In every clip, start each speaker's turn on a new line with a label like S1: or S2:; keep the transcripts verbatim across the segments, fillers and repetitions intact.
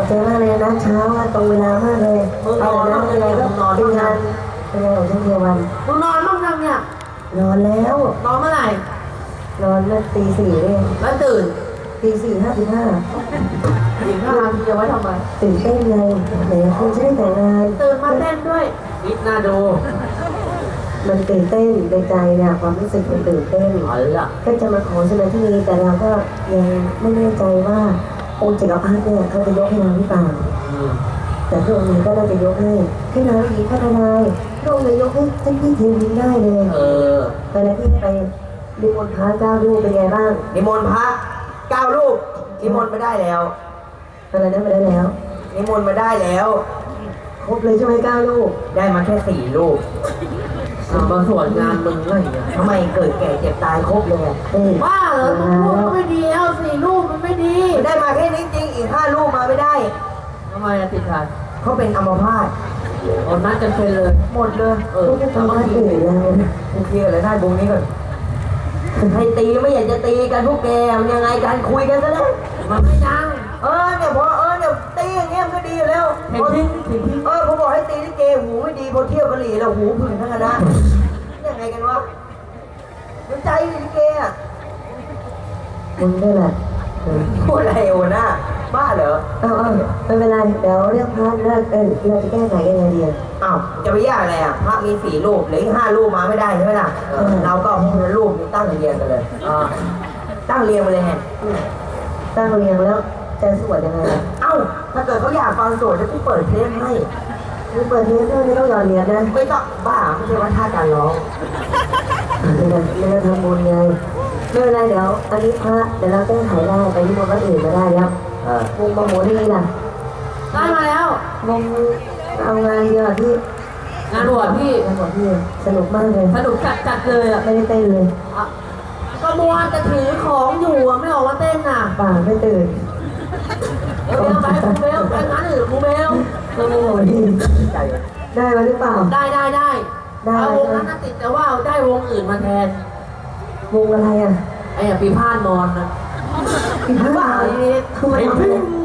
S1: ใจมากเลยนะเช้าตรงเวลามากเลยเอาละอะไรก็เป็นงานเป็นงานของช่างเทวัน
S2: มึงนอนบ้างยังเนี่ย
S1: นอนแล้ว
S2: นอนเมื่อไหร่
S1: นอนเมื่อตีสี่เอง
S2: แล้วตื่น
S1: ตีสี่ห้าสิบห้า
S2: อีกห้านาทีจะไว้ทำไม
S1: ตื่นเต้นเลยไหนคุณจะได้แต่งงาน
S2: ตื่นมาเต้นด้วยนิดน่าดู
S1: มันตื่นเต้นในใจเนี่ยความรู้สึกมันตื่นเต้น
S2: เอาละ
S1: ก็จะมาขอสมาธิแต่เราก็ยังไม่แน่ใจว่าองค์จักรพรรดิเนี่ยเขาจะยกให้เราหรือเปล่าแต่พระองค์นี้ก็น่าจะยกให้ให้นางหญิงพัฒนาพระองค์เลยยกให้ท่านพี่เทวินได้เลย
S2: เออ
S1: ตอนนั้นที่ไปนิมนต์พระเก้ารูปเป็นไงบ้าง
S3: นิมนต์พระเก้ารูปนิมนต์มาได้แล้ว
S1: ตอนนั้นไปได้แล้ว
S3: นิมนต์มาได้แล้ว
S1: ครบเลยใช่ไหมเก้ารูป
S3: ได้มาแค่สี่รูป
S2: เอามาสวนงานมึงไงเนี่ย
S3: ทำไมเกิดแก่เจ็บตายครบเลยอะ
S1: เอ้ย
S2: ว่าเหรอมึงพูดก็ไม่ดีแล้วสี่รูปมันไม่ดี
S3: ได้มาแค่นี้จริงอีกห้ารูปมาไม่ได้
S2: ทำไมอะติดขัด
S3: เขาเป็นอัมพาต
S2: เอานัดกันเป็นเลย
S3: หมดเลย
S2: เออ
S1: พวกจะทำอะไรอื่นแล้ว
S3: กูเคลียร์เลยได้บุงนี้ก่อนให้ตีไม่อยากจะตีกันพวกแกมันยังไงกันคุยกันซะแล้ว
S2: มันไม่ดัง
S3: เออเนี่ยพอเออเนี่ยตีอย่างเงี้ยมันก็ดีอยู่แล้ว
S2: เห็นทิ้งเห็นทิ้ง
S3: เออผมบอกให้ตีลิเกหูไม่ดีพอเที่ยวกะหรี่แล้วหูผึ่งทั้งคณะยังไงกันวะสนใจลิเกอ่ะ
S1: มึงได้แหละเออ
S3: พูดอะไรวะหน้าบ้าเหรอ
S1: เอาเอาไม่เป็นไรเดี๋ยวเรื่องพระเรื่องเออเราจะแก้ไขกันยังไงดี
S3: อ้าวจะไปยากอะไรอ่ะพระมีสี่รูปเหลืออีกห้ารูปมาไม่ได้ใช่ไหมล่ะ
S1: เออ
S3: เราก็เอาคนละรูปนี้ตั้งเรียงกันเลยอ่าตั้งเรียงไปเลยไง
S1: ตั้งเรียงแล้วจะสวดยังไง
S3: เอ้าถ้าเกิดเขาอยากฟังโจทย์จะกูเปิดเทปให้
S1: มึงเปิดเทปด้วยไม่ต้องหยอดเหรียญนะ
S3: ไม่ต้องบ้าไม่ใช่ว่าท่าการร้อง
S1: ไม่ได้ไม่ได้ทำบุญไงไม่เป็นไรเดี๋ยวอันนี้พระเดี๋ยวเราแก้ไขได้ไปที่มนต์วัดอื่นมาได้แล้ว
S3: เออ
S1: วงบางโหนี่ล่ะ
S2: ได้มาแล้ว
S1: วงเอางานเดียวที่
S2: งานบวชพี่
S1: งานบวชที่สนุกมากเลย
S2: สนุกจัดจัดเลยอ่ะ
S1: ไม่ได้เต้นเลย
S2: อ่ะก็มัวแต่ถือของอยู่อ่ะไม่ออกมาเต้นน่ะ
S1: ป่าไม่ตื่น
S2: เออเบลไปมูเบลไปงานอื่นมูเบล
S1: โอ้โหนี่
S3: ใจ
S1: ได้มาหรือเปล่า
S2: ได้ได้ได้
S1: ได้
S2: เอาวงนั้นน่ะติดแต่ว่าได้วงอื่นมาแทน
S1: วงอะไรอ่ะ
S2: ไอ้อะปีพาดนอนนะ
S1: อีกหรือเปล่า
S2: ไอ้นี่
S1: ทำไมทำไม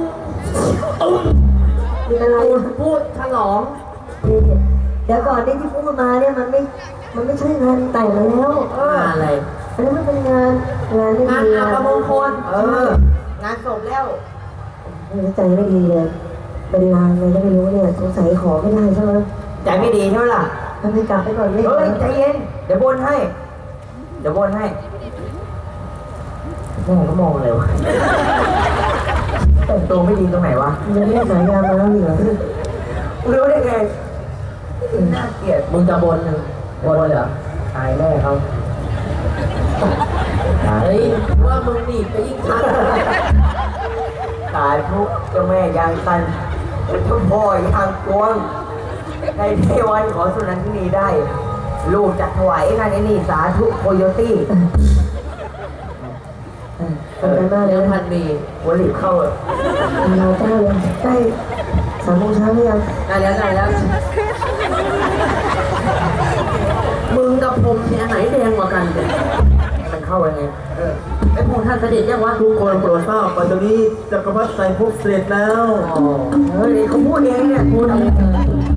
S1: มีอะไร
S2: พูดพูดฉลอง
S1: นี่เดี๋ยวก่อนที่ที่พูดมาเนี่ยมันไม่ มันไม่ใช่งานแต่งแล้ว
S2: เอออะไร
S1: อันนี้มันเป็นงานงานที่
S2: งาน
S1: ดี
S2: อัปมงคล
S3: เออ งานศพแล้ว
S1: ไม่ใจไม่ดีเลย เป็นลางเลยก็ไม่รู้เนี่ยสงสัยขอไม่ได้ใช่ไหม
S3: ใจไม่ดีใช่ไหมล่ะ
S1: ทำไมกลับไปก่อนไม่
S3: เฮ้ยใจเย็น เดี๋ยวบนให้ เดี๋ยวบนให้มองก็มองเลยวะแต่งตัวไม่ดีตรงไหนวะ
S1: ยังไม่ได้สายยามาแล้วเหรอ
S3: รู้ได้ไงน่าเกลียด
S2: มึงจะบนหนึ่งบนเหรอ
S3: ตายแน่เขา
S2: เฮ้ยว่ามึงหนีบไปยิ่งชัด
S3: ตายทุกเจ้าแม่ยางตันเจ้าพ่อยางกวงในเทวันขอสุนันทินีได้ ลูกจัดถวายงานไอ้นี่สาธุโคโยตี้
S1: ขอบคุณมากเล
S2: เลี้ย
S1: ย
S2: ง
S1: นะ
S2: พันมี
S3: หัวหลีบเข้าเลย
S1: เราเจ้าเลยใกล้สามโมงเช้าหรือยัง
S2: ได้แล้วได้แล้ว มึงกับผมเนี่ยอันไหนแดงกว่ากันเนี่ย
S3: มันเข้ายังไง
S2: เออไอ้พวกท่านเสด็จยังวะ
S4: ทุกคนโปรดทราบปัจจุบันนี้จักรพรรดิใส่พวกเสด็จแล้ว
S3: อ๋อเฮ้ยเขาพูดเองเนี่ยพูดเอง